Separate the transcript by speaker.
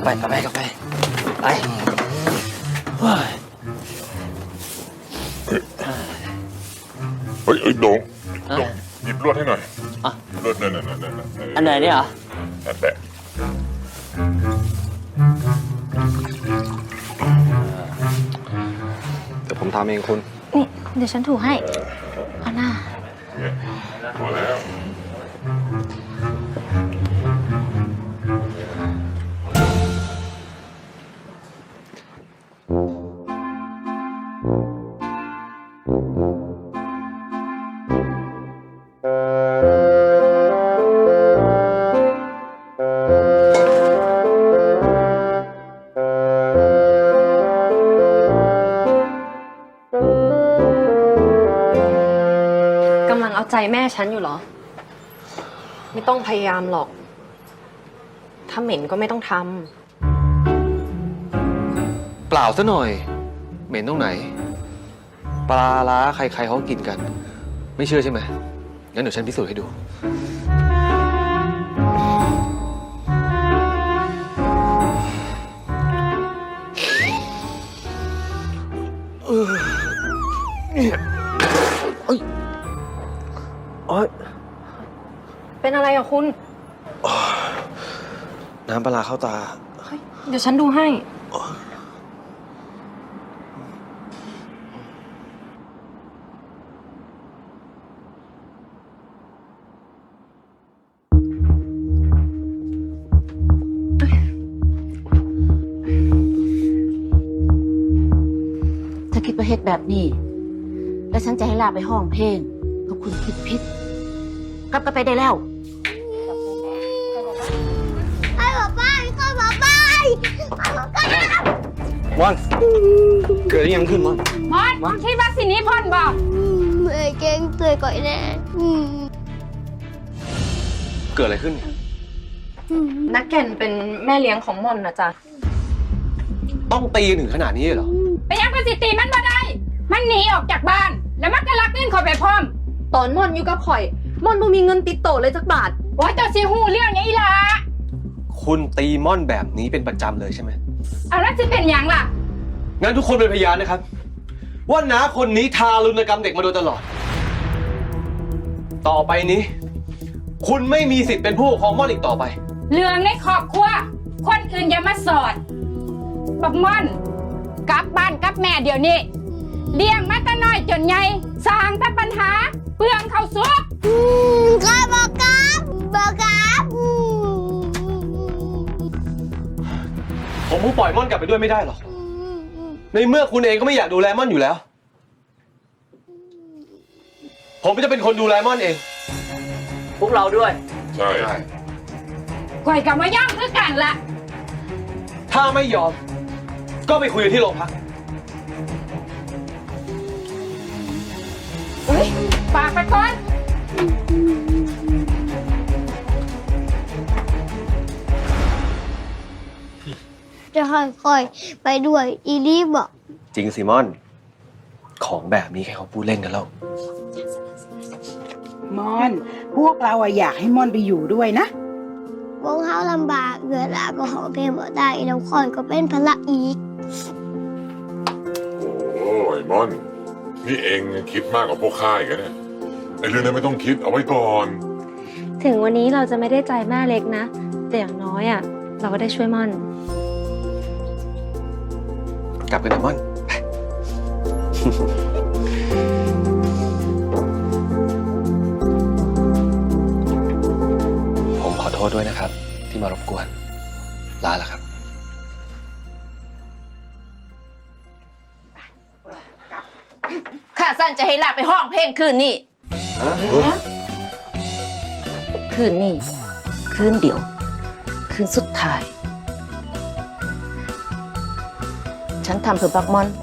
Speaker 1: ไปไปไปไปเฮ้ย
Speaker 2: โด่งหยิบลวดให้หน่อยลวดนั่น
Speaker 1: อันไหนเนี่ยเหรอ
Speaker 2: นั่นแหละ
Speaker 3: เดี๋ยวผมทำเองคุณ
Speaker 4: นี่เดี๋ยวฉันถูให้เอาหน้า
Speaker 2: พอแล้ว
Speaker 5: กำลังเอาใจแม่ฉันอยู่เหรอไม่ต้องพยายามหรอกถ้าเหม็นก็ไม่ต้องท
Speaker 3: เปล่าซะหน่อยเหม็นตรงไหนปลาล้าใครๆเขากินกันไม่เชื่อใช่ไหมงั้นเดี๋ยวฉันพิสูจน์ให้ดู
Speaker 5: เป็นอะไรอะคุณ
Speaker 3: น้ำปลาเข้าตา
Speaker 5: เดี๋ยวฉันดูให้
Speaker 4: ถ้าคิดประเฮ็ดแบบนี้แล้วฉันจะให้ลาไปห้องเพลงเพราะคุณคิดผิดกลับกันไปได้แล้ว
Speaker 3: ม่อนเกิดยังขึ้นม่อน
Speaker 6: มอนคิดว่าสินี้พ่นบอก
Speaker 7: เมื่อเก่งเตยก่อยแน่
Speaker 3: เกิดอะไรขึ้น
Speaker 5: นักแก่นเป็นแม่เลี้ยงของม่อนนะจ๊ะ
Speaker 3: ต้องตีถึงขนาดนี้เหรอ
Speaker 6: ไปยังภาษีตีมันมาได้มันหนีออกจากบ้านแล้วมันก็ลักเงินเขาไปพร้อม
Speaker 5: ตอนม่อนอยู่กับข่อยม่อนบ่มีเงินติดโตเลยสักบาท
Speaker 6: ว่าเจ้าสิหูเรื่องไงล่ะ
Speaker 3: คุณตีม่อนแบบนี้เป็นประจำเลยใช่ไหม
Speaker 6: เอาแล้วจะเป็นอย่างล่ะ
Speaker 3: งั้นทุกคนเป็นพยานนะครับว่าน้าคนนี้ทารุณกรรมเด็กมาโดยตลอดต่อไปนี้คุณไม่มีสิทธิ์เป็นผู้ปกครองม่อนอีกต่อไป
Speaker 6: เรื่องในครอบครัวคนอื่นอย่ามาสอดบักม่อนกลับบ้านกลับแม่เดี๋ยวนี้เลี้ยงมาแต่น้อยจนใหญ่สร้างแต่ปัญหาเปลืองข้าวสุก
Speaker 7: ก็บอกครับ
Speaker 3: ผมปล่อยม่อนกลับไปด้วยไม่ได้หรอกในเมื่อคุณเองก็ไม่อยากดูแลม่อนอยู่แล้วผมจะเป็นคนดูแลม่อนเอง
Speaker 1: พวกเราด้วย
Speaker 2: ใช่
Speaker 6: ก่อยกับมาย่อมคือกันละ
Speaker 3: ถ้าไม่ยอมก็ไปคุยกันที่โรงพัก
Speaker 6: ฝากไปก่อน
Speaker 7: จะค่อยๆไปด้วยอีลี่บอก
Speaker 3: จริงสิม่อนของแบบนี้แค่เขาพูดเล่นกันแล้ว
Speaker 8: ม่อนพวกเราอยากให้ม่อนไปอยู่ด้วยนะ
Speaker 7: วงเขาลำบากเกิดลาก็หอเพลงบ่ได้แล้วค่อยก็เป็นภาระอีก
Speaker 2: โอ้ยม่อนนี่เองคิดมากกว่าพวกข้าอีกนะไอ้เรื่องนั้นไม่ต้องคิดเอาไว้ก่อน
Speaker 5: ถึงวันนี้เราจะไม่ได้ใจแม่เล็กนะแต่อย่างน้อยเราก็ได้ช่วยม่อน
Speaker 3: กลับกันนะม่อนผมขอโทษด้วยนะครับที่มารบกวนลาแล้วครับ
Speaker 4: ข้าสั้นจะให้ลาไปห้องเพลงคืนนี้คืนนี้คืนเดียวคืนสุดท้ายฉันทำเพื่อบักม่อน